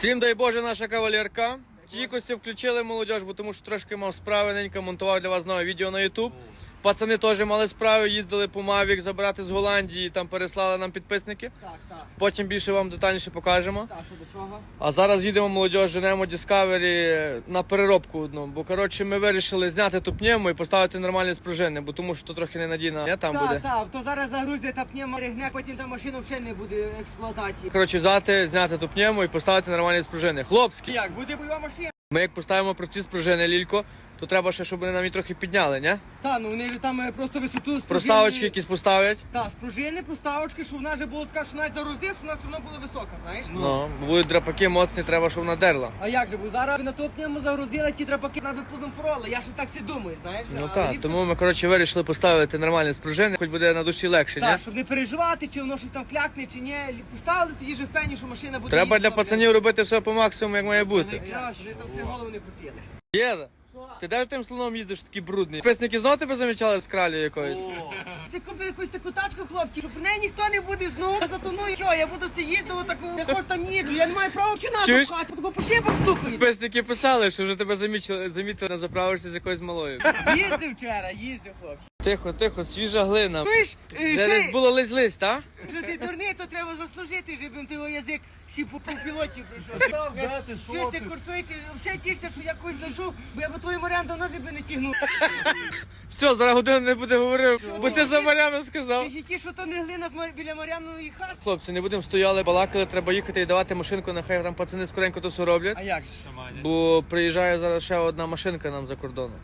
Всім дай Боже, наша кавалерка. Тільки включили молодіж, бо тому що трошки мав справи, ненька монтував для вас нове відео на YouTube. Пацани теж мали справи, їздили по Mavic забирати з Голландії, там переслали нам підписники. Так. Потім більше вам детальніше покажемо. Так, що до чого? А зараз їдемо молодіж, женемо Discovery на переробку одну. Бо коротше ми вирішили зняти ту пневму і поставити нормальні спружини, бо тому що то трохи ненадійно там буде. Так, то зараз загрузять та пневма ригне, потім та машина взагалі не буде експлуатації. Коротше, взяти, зняти ту пневму і поставити нормальні спружини. Хлопські! Як, буде бойова машина? Ми як поставимо прості спружини, Лілько, то треба ще, щоб вони нам її трохи підняли, ні? Так, ну вони ж там просто висоту спружини. Проставочки якісь поставлять. Так, спружини, проставочки, щоб вона вже була така, що навіть загрузив, що вона все одно була висока, знаєш? Ну, бо будуть драпаки моцні, треба, щоб вона дерла. А як же, бо зараз на ту пневму загрузили, ті драпаки на випузом пороли. Я щось так всі думаю, знаєш? Ну А так, ліпше- тому ми, коротше, вирішили поставити нормальні спружини, хоч буде на душі легше, ні? Так, щоб не переживати, чи воно щось там клякне, чи ні. Поставили, тоді вже впевнені, що машина буде Треба для їздити, пацанів робити все по максимуму, як має бути. блядь. Вони там всі голову не крутили. Єда, ти де ж тим слоном їздиш такий брудний? Підписники знову тебе замічали з кралю якоюсь? Це купив якусь таку тачку, хлопці, що про неї ніхто не буде знову затоную. Що, я буду їздити таку, я хоч там їду, я не маю права чи Чуєш? надо бо по шибах стукають. Підписники писали, що вже тебе замітили на заправишся з якоюсь малою. Їздив вчора, хлопці. Тихо, свіжа глина. Чуєш, Де десь було лись, так? що ти дурний, то треба заслужити, щоб ти його язик всі по пілоті прийшов. Чуєш, ти курсуєте, взагалі тішся, що я когось знайшов, бо я по твоїм Маріан давно би не тягнув. Все, зараз годину не буде говорив, бо ти за Мар'яну сказав. Ти ж ті, що то не глина біля Мар'яної хати. Хлопці, не будемо стояли, балакали, треба їхати і давати машинку, нехай там пацани скоренько то все роблять. А як же? Бо приїжджає зараз ще одна машинка нам за кордоном.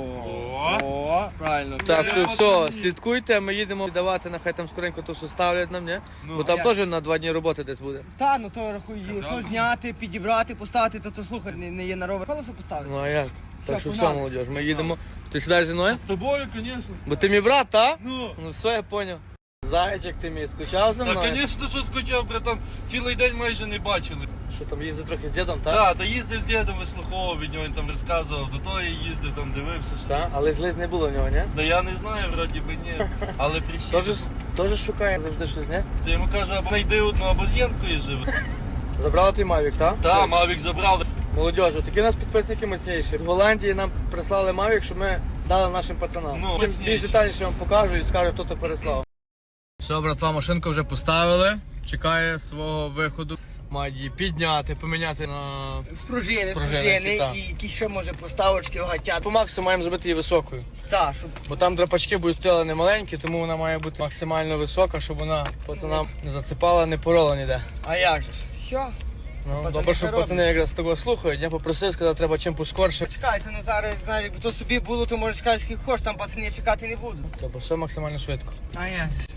О, правильно. Так що все, слідкуйте, ми їдемо давати, нехай там скоренько то все ставлять нам, ні? Бо там як? теж на 2 дні роботи десь буде. Та, ну то рахуй, то зняти, підібрати, поставити, то слухай, не є на ровер. Колесо поставити. Ну а як? Так що все, погнали. молодіж, ми їдемо. Ти сідаєш зі мною? З тобою, звісно. Бо ти мій брат, та? Ну. Ну все, я поняв. Зайчик ти мій, скучав за Та, мною? звісно, що скучав, братан. Цілий день майже не бачили. Що там їздив трохи з дідом, так? Так, та їздив з дідом, вислуховував від нього, він там розказував, до того я їздив, там дивився. Що... Так, але злиз не було в нього, ні? Да я не знаю, вроді би ні. Але прищив. Теж шукає завжди щось, ні? Я йому кажу, або знайди одну, або з Єнкою живе. Забрали той Mavic, так? Так, Мавік забрали. Молодежу, такі у нас підписники міцніші. В Голландії нам прислали Mavic, щоб ми дали нашим пацанам. Ну, Потім міцніші. більш детальніше вам покажу і скажу, хто то переслав. Все, братва, машинку вже поставили. Чекає свого виходу. Мають її підняти, поміняти на... Спружини, так. і якісь ще може поставочки гатять. По максимуму маємо зробити її високою. Так, щоб Бо там драпачки будуть стояли не маленькі, тому вона має бути максимально висока, щоб вона пацанам не зацепала, не порола ніде. А як же ж? Що? Ну, Пацани добре, що це пацани якраз того слухають. Я попросив, сказав, треба чим поскорше. Чекай, то не зараз, знаєш, якби то собі було, то може чекати скільки хочеш, там пацани чекати не будуть. Тобто все максимально швидко. А як?